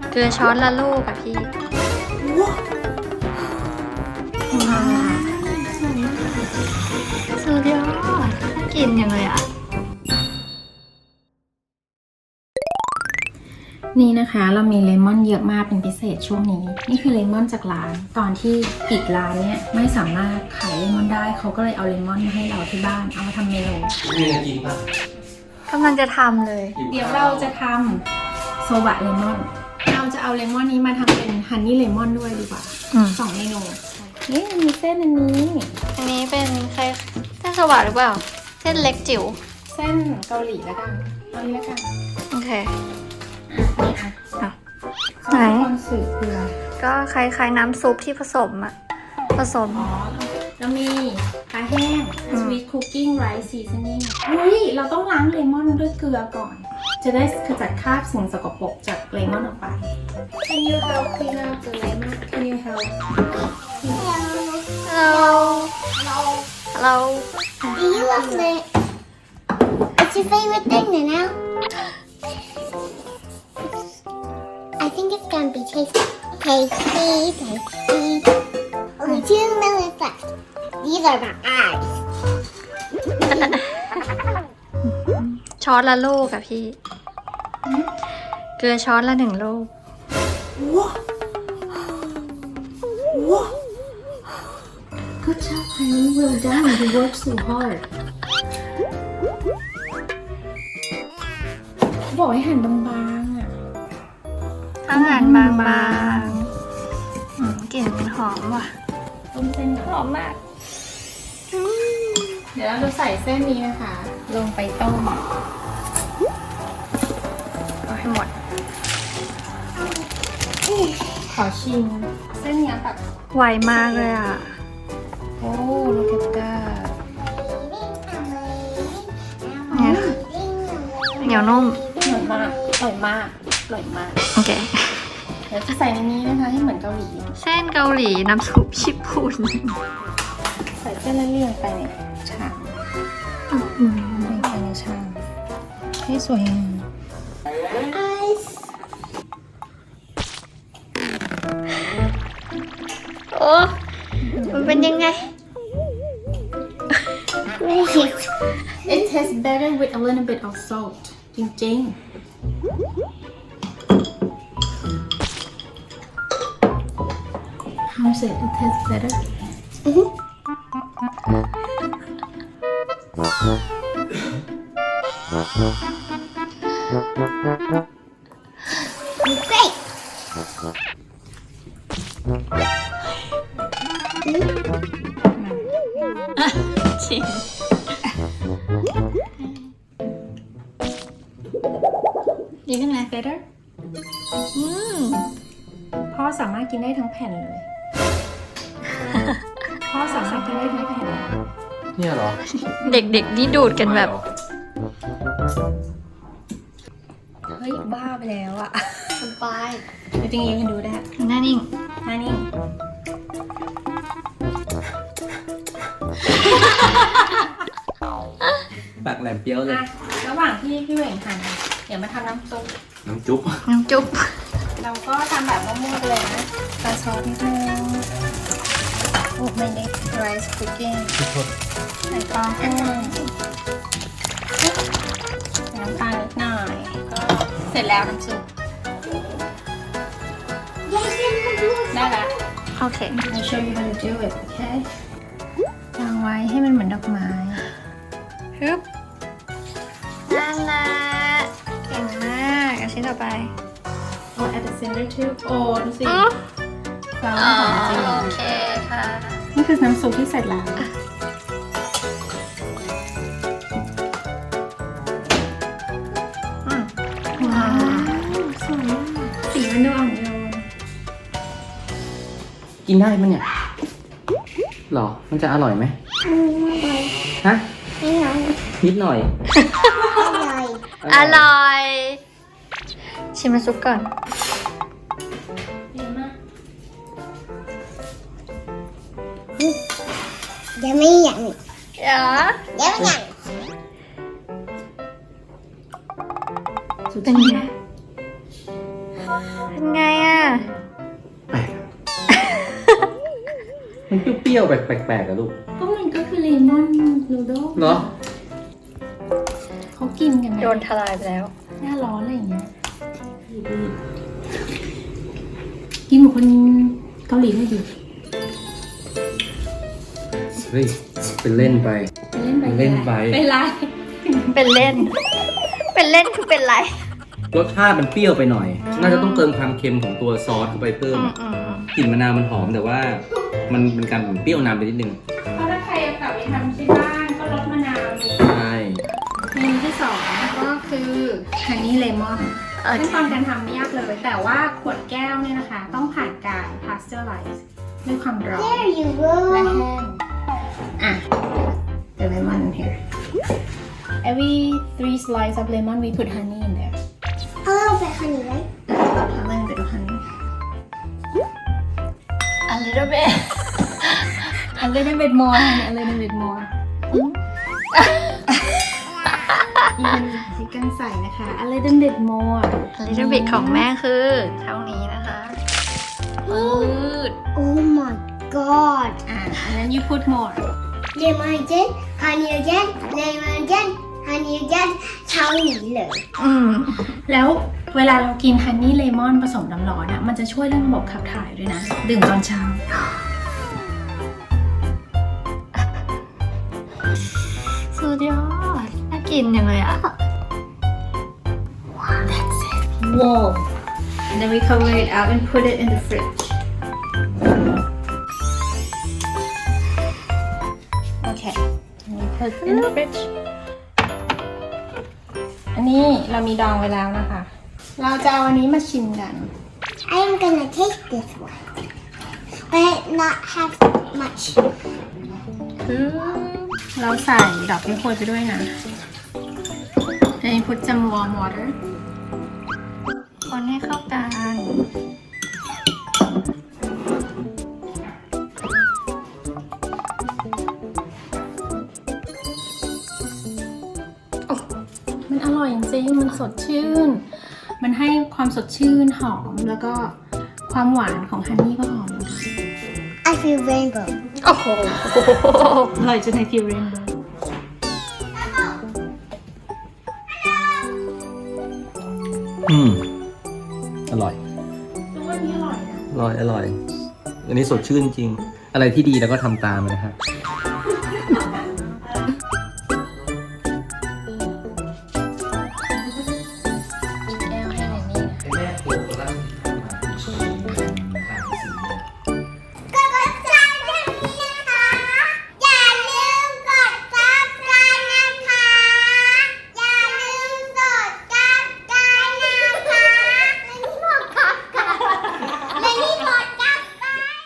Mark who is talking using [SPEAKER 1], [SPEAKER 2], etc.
[SPEAKER 1] เกลือช้อนละลูกอะพี่สุดยอดกินยังไงอะ
[SPEAKER 2] นี่นะคะเรามีเลมอนเยอะมากเป็นพิเศษช่วงนี้นี่คือเลมอนจากร้านตอนที่อีกร้านเนี่ยไม่สามารถขายเลมอนได้เขาก็เลยเอาเลมอนมาให้เราที่บ้านเอามาทำเมนู
[SPEAKER 3] มีอะไรกินป่ะ
[SPEAKER 1] กำลังจะทำเลย
[SPEAKER 2] เดี๋ยวเราจะทำโซบะเลมอนเราจะเอาเลมอนนี้มาทำเป็นฮันนี่เลมอนด้วยดีกว่า2 เมนูนี่มีเส้นอันนี้
[SPEAKER 1] เป็นใครเส้นสวัสดหรือเปล่าเส้นเล็กจิ๋ว
[SPEAKER 2] เส้นเกาหลีแล้วกันเอานี้แล้วกัน
[SPEAKER 1] โอเค
[SPEAKER 2] นี่อ่ะ
[SPEAKER 1] ไหน
[SPEAKER 2] คนสื่อเกลือ
[SPEAKER 1] ก็คล้ายๆน้ำซุปที่ผสมอะผสม
[SPEAKER 2] แล้วมีปลาแห้ง sweet cooking rice seasoning เฮ้ยเราต้องล้างเลมอนด้วยเกลือก่อน จะได้ขจัดคราบสิ่งสกปรกจากเลมอนออกไป Can you help clean up the lemon? Can you help?
[SPEAKER 1] Hello
[SPEAKER 4] Do you love it? What's your favorite thing now? I think it's gonna be tasty. Tasty. Only 2 minutes left. These are my eyes.
[SPEAKER 1] ช้อนละลูกอะพี่ เกลือช้อนละ1 ลูก
[SPEAKER 2] Good job, honey. Well done. You worked so hard. บอกให้หั่นบางๆอ่ะ
[SPEAKER 1] อาหารบางๆกลิ่นหอมว่ะ
[SPEAKER 2] ต้มเส้น
[SPEAKER 1] หอมมาก
[SPEAKER 2] เดี๋ยวเราจะใส่เส้นนี้นะคะ ลงไปต้ม
[SPEAKER 1] เอาให้หมด
[SPEAKER 2] ขอชิมเส้นเนี้ยแบบ
[SPEAKER 1] ไวมากเลยอ่ะ
[SPEAKER 2] โอ้ลูกเกดก้า
[SPEAKER 1] เนี่ยเหนียวนุ่ม
[SPEAKER 2] อร่อยมากอร่อยมากอร่อยมาก
[SPEAKER 1] โอเค
[SPEAKER 2] เดี๋ยวจะใส่ในนี้นะคะให้เหมือนเกาหลี
[SPEAKER 1] เส้นเกาหลีน้ำซุปญี่ปุ่น
[SPEAKER 2] ใส่เส้นแล้วเรียงไปในชามเรียงไปในชามให้สวยงาม
[SPEAKER 4] Eyes.
[SPEAKER 1] โอ้มันเป็นยังไง
[SPEAKER 4] Right.
[SPEAKER 2] It tastes better with a little bit of salt จริงๆ How's it? It tastes better?
[SPEAKER 4] Great.
[SPEAKER 1] จริงดีขึ้นไหม
[SPEAKER 2] Better? พ่อสามารถกินได้ทั้งแผ่นเลย พ่อสามารถกินได้ทั้งแผ่นเลย
[SPEAKER 3] เนี่ยเหรอ
[SPEAKER 1] เด็กๆนี่ดูดกันแบบ
[SPEAKER 2] เฮ้ย บ้าไปแล้วอะ
[SPEAKER 1] สบาย
[SPEAKER 2] จริงๆยังดูได้
[SPEAKER 1] หน้านิ่ง
[SPEAKER 2] มานี่
[SPEAKER 3] ปากแหลมเปรี้ยวเลย
[SPEAKER 2] อ่ะระหว่างที่พี่เหว่งหั่นเดี๋ยวมาทำน้ำซุป
[SPEAKER 3] น้ำจุ๊บ
[SPEAKER 1] น้ำจุ๊บ
[SPEAKER 2] เราก็ทำแบบมั่วๆไปเลยนะใส่ซอสนิดนึงโอ้ไม่ได้ rice cooking ใส่ปลาแห้งใส่น้ำตาลนิดหน่อย ก็เสร็จแล้วน้ำซุป ได้แล้ว
[SPEAKER 1] โอเค
[SPEAKER 2] I'll show you how to do it okay วางไว้ให้มันเหมือนดอกไม้
[SPEAKER 1] ฮึบนั่นแหละเก่งมากอันชิ้นต่อไป
[SPEAKER 2] Oh at the center too โอ้ดูสิ
[SPEAKER 1] อ๋อ
[SPEAKER 2] ฟาวหอมจริง
[SPEAKER 1] โอเคค่ะ
[SPEAKER 2] นี่คือน้ำซุปที่เสร็จแล้ว ว้าวสวยมากสีมันดูอ่อนโยน
[SPEAKER 3] กินได้ปะเนี่ยหรอ มันจะอร่อยไหมฮะ นิดหน่อย
[SPEAKER 1] อร่อย ชิมน้ำซุปก่อน
[SPEAKER 2] ดีมาก
[SPEAKER 4] Yummy, yummy.
[SPEAKER 1] เดี๋ยว
[SPEAKER 4] Yummy, yummy.
[SPEAKER 1] เป็นไงเป็นไงอ่ะ
[SPEAKER 3] แปลก มันเปรี้ยวๆแปลกๆอะลูก
[SPEAKER 2] ก็มันก็คือเลมอนนูโด
[SPEAKER 3] เหรอ
[SPEAKER 2] เขากินกันนะ
[SPEAKER 1] โดนทลายไปแล้ว
[SPEAKER 2] หน้าร้อนอะไรอย่างเงี้ยกินเหมือนคนเกาหลีเลยดิ
[SPEAKER 3] เฮ้ย เป็นเล่นไป
[SPEAKER 2] เล่นไป
[SPEAKER 3] เล่นไป
[SPEAKER 2] เป็นไร
[SPEAKER 1] เป็นเล่น เป็นเล่นคือเป็นไร
[SPEAKER 3] รสชาติมันเปรี้ยวไปหน่อย น่าจะต้องเติมความเค็มของตัวซอสเข้าไปเพิ่ม กลิ่นมะนาวมันหอมแต่ว่ามันเป็นการเปรี้ยวนำไปนิดนึง
[SPEAKER 2] เพราะถ้าใครเอากลับไปทำที่บ้านก็รสมะนาวดู
[SPEAKER 3] ใช่
[SPEAKER 2] เมนูที่ 2 ก็คือฮันนี่เลมอน
[SPEAKER 1] โอเค
[SPEAKER 2] ขั้นตอนการทำไม่ยากเลย แต่ว่าขวดแก้วเนี่ยนะคะ ต้องผ่านการ pasteurize ด้วยความร้อน
[SPEAKER 4] There you
[SPEAKER 2] และ
[SPEAKER 4] go.
[SPEAKER 2] แห้งอ่ะ the lemon here every 3 slices of lemon we put honey in there
[SPEAKER 4] A little bit honey, right?
[SPEAKER 2] a little bit of honey
[SPEAKER 1] a little bit
[SPEAKER 2] a little bit more honey a little bit more อีกกันใส่นะคะ a little bit more
[SPEAKER 1] a little bit ของแม่คือเท่านี้นะคะปืด
[SPEAKER 4] Oh my god.
[SPEAKER 2] อ่ะ and then you put more
[SPEAKER 4] Lemon again, honey again, lemon again, honey again. เท่านี้เลย
[SPEAKER 2] แล้วเวลาเรากินฮันนี่เลมอนผสมน้ำร้อนอ่ะ มันจะช่วยเรื่องระบบขับถ่ายด้วยนะ ดื่มตอนเช้า
[SPEAKER 1] สุดยอด น่ากินยังเลยอ่ะ
[SPEAKER 2] Wow and then we cover it out and put it in the fridge okay and we put it in the fridge อันนี้เรามีดองไว้แล้วนะคะ เราจะเอาอันนี้มาชิมกัน
[SPEAKER 4] I am gonna take this one, but not have much.
[SPEAKER 2] เราใส่ดอกเก๊กฮวยไปด้วยนะ and you put some warm water
[SPEAKER 1] คนให้เข้ากัน
[SPEAKER 2] มันอร่อยจริงๆ มันสดชื่น มันให้ความสดชื่นหอม แล้วก็ความหวานของฮันนี่ก็หอม
[SPEAKER 4] I feel rainbow.
[SPEAKER 1] โอ้โห
[SPEAKER 2] อร่อยจนในฟิวเรนโบว์
[SPEAKER 3] อร่อย
[SPEAKER 2] ตัวนี้อร่อยนะ
[SPEAKER 3] อร่อย อันนี้สดชื่นจริง อะไรที่ดีแล้วก็ทำตามนะครับ